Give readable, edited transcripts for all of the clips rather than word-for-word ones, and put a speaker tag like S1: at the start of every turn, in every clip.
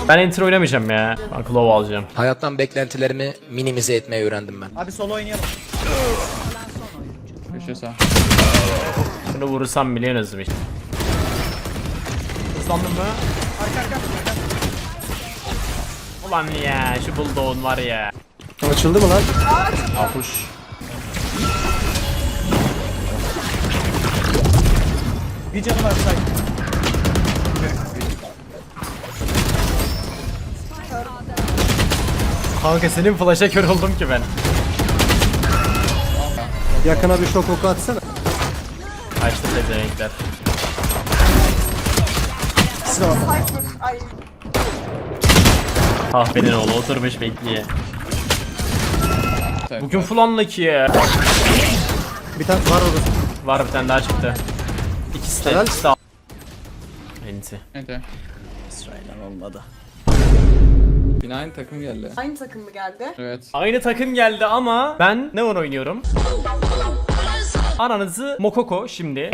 S1: Ben enter oynamayacağım ya. Ben Claw alacağım.
S2: Hayattan beklentilerimi minimize etmeyi öğrendim ben.
S3: Abi solo oynayalım.
S4: Köşe sağ.
S1: Şunu vurursam bile en hızlı işte. Hızlandın mı?
S3: Arka.
S1: Ulan ya şu bulldog'un var ya.
S5: Açıldı mı lan?
S1: Apuş.
S3: Bir canı var say.
S1: Kanka senin flash'a kör oldum ki ben.
S5: Yakına bir şok oku atsana.
S1: Açtı pezevenkler. Kahvenin oğlu oturmuş bekliyor. Bugün full unlucky ya.
S5: Bir tane var orada.
S1: Var bir tane daha çıktı. İkisi de
S5: Helal.
S1: ikisi de. Enti.
S4: Evet.
S1: İsrail'den olmadı.
S4: Yine aynı takım geldi.
S6: Aynı takım mı geldi?
S4: Evet.
S1: Aynı takım geldi ama ben ne oynuyorum? Ananızı Mokoko şimdi.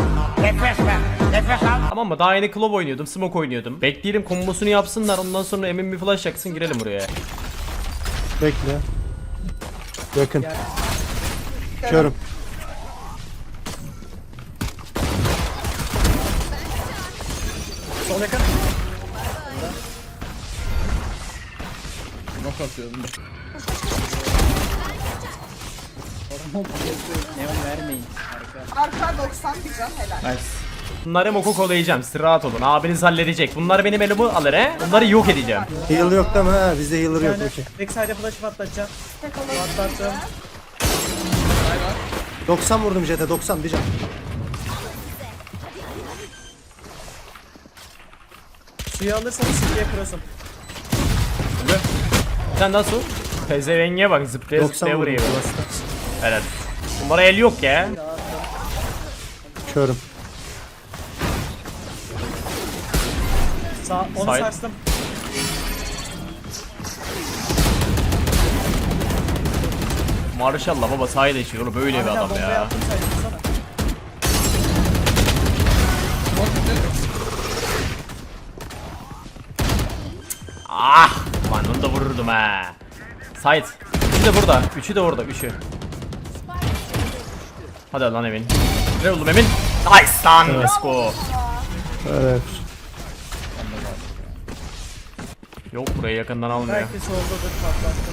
S1: Tamam mı? Daha yeni Claw oynuyordum, Smoke oynuyordum. Bekleyelim kombosunu yapsınlar, ondan sonra Emin bir flash yaksın, girelim buraya.
S5: Bekle. Yakın. Körüm.
S3: Sol yakın.
S4: Nok atıyorum.
S3: Neon vermeyin. Harika.
S6: Arka 90 bir can helal.
S1: Nice. Bunları Mokoko'layacağım, siz rahat olun. Abiniz halledecek. Bunlar benim elimi alır he. Bunları yok edeceğim.
S5: Heal yok değil mi? Ha, bizde healer yok.
S3: Yani
S5: Okey.
S3: backside'e flash'ı patlatacağım.
S6: Tek alalım.
S3: Patlattım.
S5: 90 vurdum jete 90 bir can.
S3: Suyu alırsanız City'ye cross'um.
S1: Sen nasıl? Pezevenge bak, zıplaya
S5: 90
S1: zıplaya
S5: vurdum.
S1: vuruyor. Evet. Bunlara el yok ya.
S5: Körüm.
S3: Onu
S1: Side.
S3: sarstım.
S1: Maşallah baba sahile yaşıyor oğlum, böyle bir
S3: Arkadan
S1: adam
S3: bombayı
S1: ya.
S3: attım saydım
S1: Ah! Lan onu da vururdum ha. Sait. Üçü de burada. Üçü de orada. Üçü. Hadi lan Emin. Ne oğlum Emin? Nice lan. Let's go.
S5: Evet.
S1: Yok burayı yakından almıyor.
S3: Belki soldadır patlattım.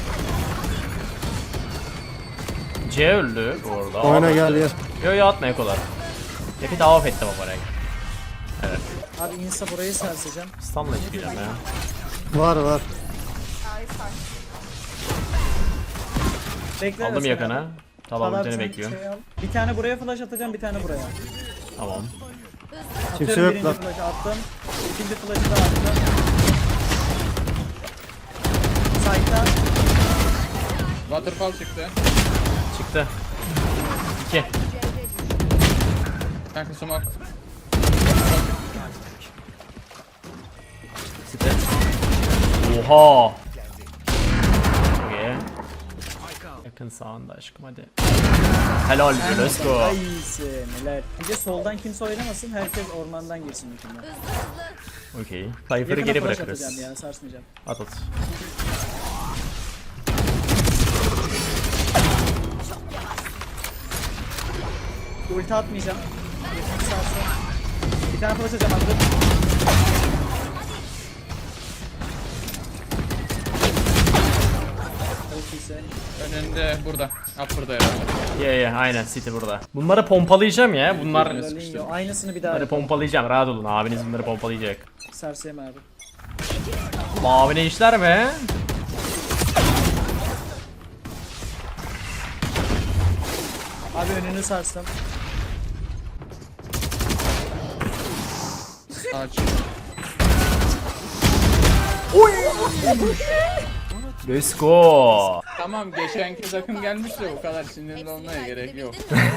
S1: C öldü bu arada.
S5: Oyna gel ya.
S1: Yo yo atma ekolar. Hepi daha off ettim ama renk. Evet.
S3: Abi insta burayı sarsacağım.
S1: Stun'la çıkacağım ya.
S5: Var var.
S3: Bekle.
S1: Aldım
S3: arasına.
S1: yakına. Tamam
S3: Falan
S1: seni
S3: sen
S1: bekliyorum.
S3: şey al. Bir tane buraya flash atacağım, bir tane buraya.
S1: Tamam.
S5: Kimse
S3: Atıyorum,
S5: yok
S3: birinci
S5: lan.
S3: flash'ı attım. İkinci flash'ı da attım. Side'dan.
S4: Waterfall çıktı.
S1: Çıktı. 2.
S4: Kanka smoke.
S1: Site. Oha. Okay. Yakın sağında aşkım hadi. Helal be, let's go.
S3: Ay iyisin, neler. Bir de soldan kimse oynamasın, herkes ormandan girsin hükümden.
S1: Okey. Cypher'ı
S3: Yakına
S1: geri
S3: flash
S1: bırakırız.
S3: atacağım ya, sarsmayacağım.
S1: At at.
S3: Ulti atmayacağım. Yakın sarsın. Bir tane flash atacağım attım. Çok iyisin.
S4: Önünde burada. Upper'da herhalde.
S1: Ye aynen City burada. Bunları pompalayacağım ya. Bunlar
S3: Ronaldinho, aynısını bir daha
S1: bunları
S3: yapalım.
S1: pompalayacağım. Rahat olun. Abiniz bunları pompalayacak.
S3: Sarsayım abi.
S1: Abine işler mi?
S3: Abi önünü sarstım.
S4: Ağaç.
S1: Let's go.
S4: Tamam geçenki takım gelmiş de bu kadar sinirli olmaya gerek yok.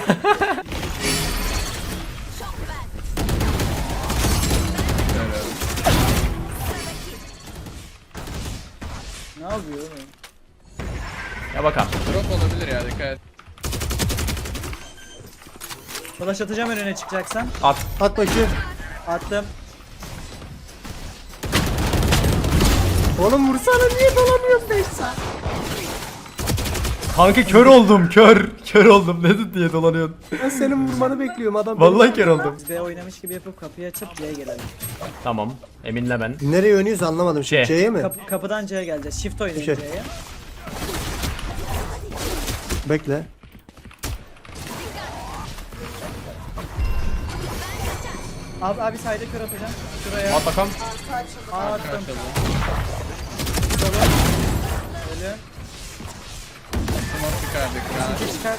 S3: Ne yapıyor oğlum?
S1: Ya bakalım.
S4: Drop olabilir ya, dikkat et.
S3: Flash atacağım önüne çıkacaksan.
S1: At.
S5: At bakayım.
S3: Attım.
S5: Oğlum vursana, niye dolamıyorsun 5 saat?
S1: Kanka kör oldum kör. Kör oldum dedin diye dolanıyorsun.
S5: Ben senin vurmanı bekliyorum adam.
S1: Vallahi kör oldum.
S3: Biz B oynamış gibi yapıp kapıyı açıp C'ye gelelim.
S1: Tamam. Eminle ben.
S5: Nereye oynuyoruz anlamadım.
S1: C.
S5: C'ye mi?
S3: Kapıdan C'ye geleceğiz. Shift oynayın
S5: Şey.
S3: C'ye.
S5: Bekle.
S3: Abi sayda kör atacağım. Şuraya.
S1: At bakalım.
S3: Attım. Öyle.
S4: Smoke çıkardık ya.
S3: Çıkar.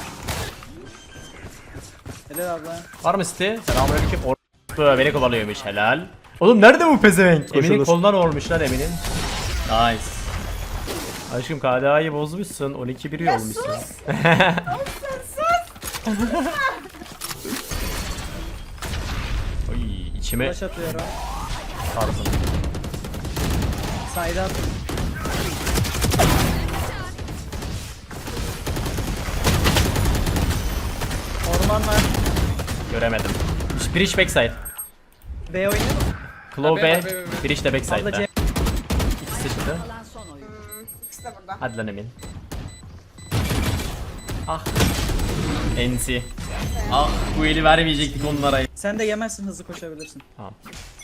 S3: Helal abla.
S1: Var mı City? Selamünaleyküm. Beni kovalıyormuş helal. Oğlum nerede bu pezevenk? Emin'in kolundan olmuş lan Emin'in. Nice. Aşkım KDA'yı bozmuşsun. 12-1 olmuşsun. Oy içime
S3: Flash atıyorum.
S1: sardım.
S3: Sayda attım. Orman var.
S1: Göremedim. Bridge backside.
S3: B oynayalım mı?
S1: Claw
S4: B,
S1: B.
S4: B, B, B.
S1: Bridge de
S3: Abla
S1: backside'da.
S3: C.
S1: İkisi çıktı.
S6: İkisi de burada.
S1: Hadi lan Emin. Ah. NC. Ah bu eli vermeyecektik onlara.
S3: Sen de yemezsin, hızlı koşabilirsin.
S1: Tamam.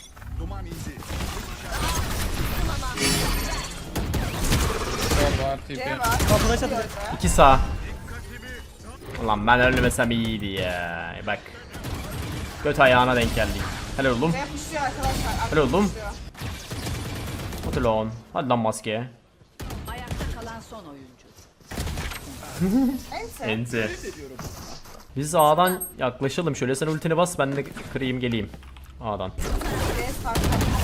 S4: Sol var tipi.
S6: C var.
S3: Flash atacağım.
S1: 2 sağ. Ulan ben ölmesem iyiydi ya. Bak. Göt ayağına denk geldik. Helal oğlum.
S6: C yapışıyor arkadaşlar.
S1: Helal oğlum.
S6: Yapışıyor.
S1: Hadi lan. Hadi lan maskeye.
S7: Ayakta kalan son oyuncu.
S6: Ente.
S1: Enti. Biz A'dan yaklaşalım. Şöyle sen ultini bas ben de kırayım geleyim. A'dan.
S6: C start.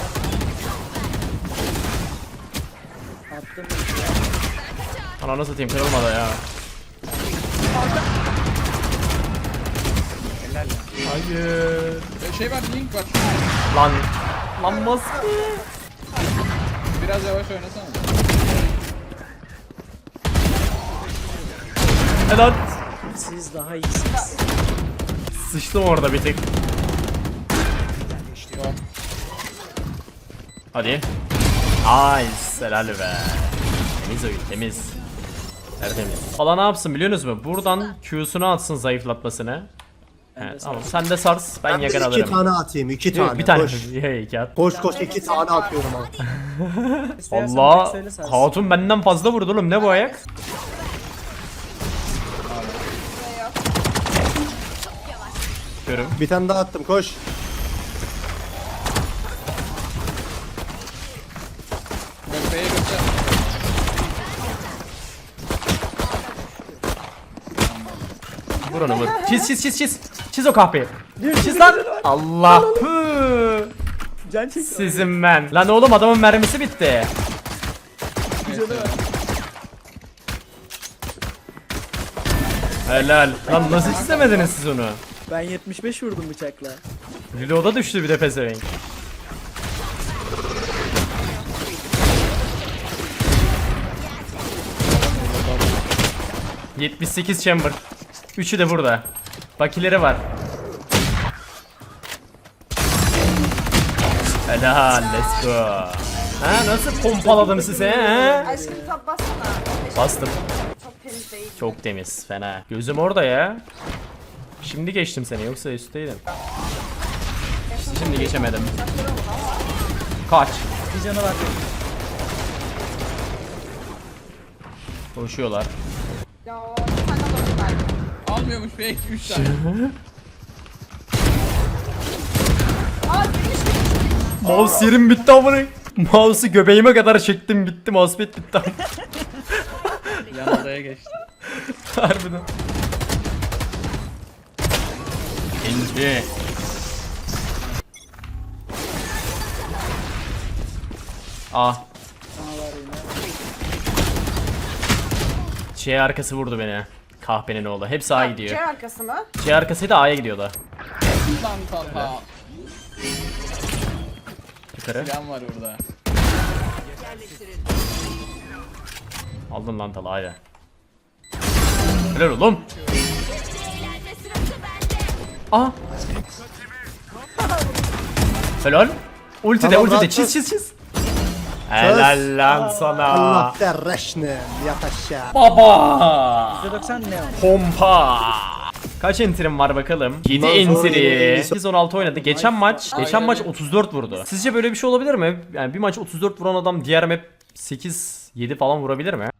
S3: Attım.
S1: Ananı satayım kırılmadı ya. Hayır.
S4: Şey var, link var.
S1: Lan. Lan maske.
S4: Biraz yavaş oynasana.
S1: Helal.
S3: Siz daha iyisiniz.
S1: Sıçtım orada bir tek.
S4: Yok.
S1: Hadi. Nice. Helal be. Temiz oyun temiz. Tertemiz. Valla ne yapsın biliyorsunuz mu? Buradan Q'sunu atsın zayıflatmasını. Evet tamam sen de sars ben
S5: Ben de
S1: yakın
S5: 2
S1: alırım.
S5: tane atayım. 2 tane.
S1: Bir tane.
S5: Koş.
S1: İki at.
S5: Koş koş 2 tane atıyorum abi.
S3: İstersen
S1: Allah
S3: direkt söyle sen.
S1: hatun benden fazla vurdu oğlum ne bu ayak? Görüm.
S5: Bir tane daha attım koş.
S4: Bak B'ye göster.
S1: Vur onu vur. Çiz. Çiz o kahpeyi. Çiz lan. Allah. Hı.
S3: Can çek.
S1: Sizin ben. Lan oğlum adamın mermisi bitti. Helal. Lan nasıl çizemediniz siz onu?
S3: Ben 75 vurdum bıçakla.
S1: Reload'a düştü bir de pezevenk. ...78 chamber. Üçü de burada. Bakileri var. Helal, let's go. Ha nasıl pompaladım size ha?
S6: Aşkım top bassana.
S1: Bastım.
S6: Çok temiz değil.
S1: Çok temiz, fena. Gözüm orada ya. Şimdi geçtim seni yoksa üstteydim. Şimdi geçemedim. Kaç.
S3: Bir canı var.
S1: Koşuyorlar.
S6: Ya bir tane bakın belki.
S4: Almıyormuş belki 3 tane.
S6: Aa gümüş.
S1: Mouse yerim bitti amına. Mouse'u göbeğime kadar çektim bitti. Mousepad bitti.
S4: Yan odaya geçti.
S1: Harbiden. İnci. Ah. C arkası vurdu beni. Kahpenin oğlu. Hepsi A
S6: C
S1: gidiyor.
S6: arkası mı?
S1: C arkasıydı A'ya gidiyordu.
S4: Lan Talha.
S1: Yukarı.
S4: Plan var orada.
S1: Aldın lan Talha hadi. Helal oğlum. Aa. Helal. Ulti de
S5: Tamam,
S1: ulti de
S5: rahat
S1: çiz. Helal lan sana.
S5: Allah derreşne. Yat aşağı.
S4: Baba.
S3: %90 Neon.
S1: Pompa. Kaç enterim var bakalım? 7
S5: Bundan sonra
S1: entry.
S5: yeni-
S1: 8-16 oynadı. Geçen maç
S4: Aynen.
S1: 34 vurdu. Sizce böyle bir şey olabilir mi? Yani bir maç 34 vuran adam diğer map 8-7 falan vurabilir mi?